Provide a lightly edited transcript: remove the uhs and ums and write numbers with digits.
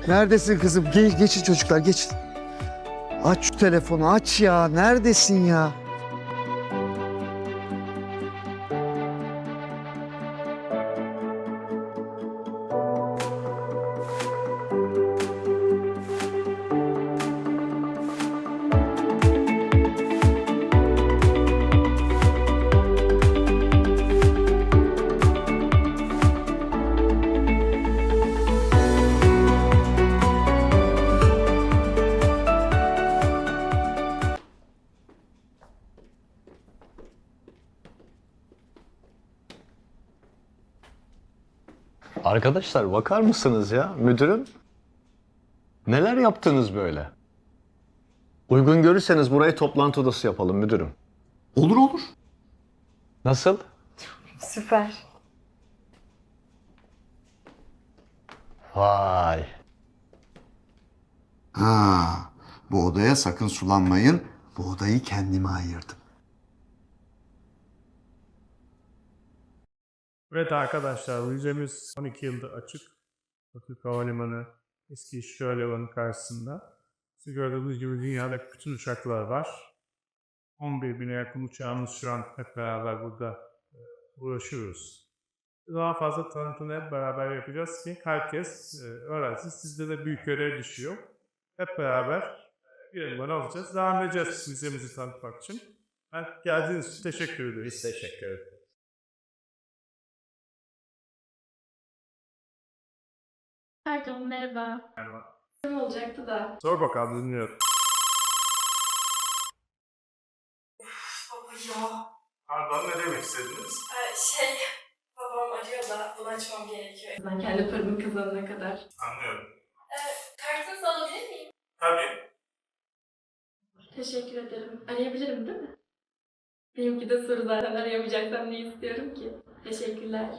Neredesin kızım? Geçin çocuklar, geçin. Aç şu telefonu, aç ya. Neredesin ya? Arkadaşlar bakar mısınız ya müdürüm? Neler yaptınız böyle? Uygun görürseniz burayı toplantı odası yapalım müdürüm. Olur olur. Nasıl? Süper. Vay. Ha, bu odaya sakın sulanmayın. Bu odayı kendime ayırdım. Evet arkadaşlar, müzemiz 12 yıldır açık. Atatürk Havalimanı eski İşçi Havalimanı karşısında. Siz gördüğünüz gibi dünyadaki bütün uçaklar var. 11 bine yakın uçağımız şu an hep beraber burada uğraşıyoruz. Daha fazla tanıtımı hep beraber yapacağız ki herkes öğrensin. Sizde de büyük görev düşüyor. Hep beraber bir elman alacağız. Devam edeceğiz müzemizi tanıtmak için. Geldiğiniz için teşekkür ederiz. Biz teşekkür ederiz. Pardon, merhaba. Merhaba. Kim olacaktı da? Sor bakalım, dinliyorum. Baba ya. Pardon, ne demek istediniz? Babam arıyor da bunu açmam gerekiyor. Ben kendi paramı kazanana kadar. Anlıyorum. Kartınızı alabilir miyim? Tabii. Teşekkür ederim. Arayabilirim değil mi? Benimki de soru zaten, arayamayacaksam ne istiyorum ki? Teşekkürler.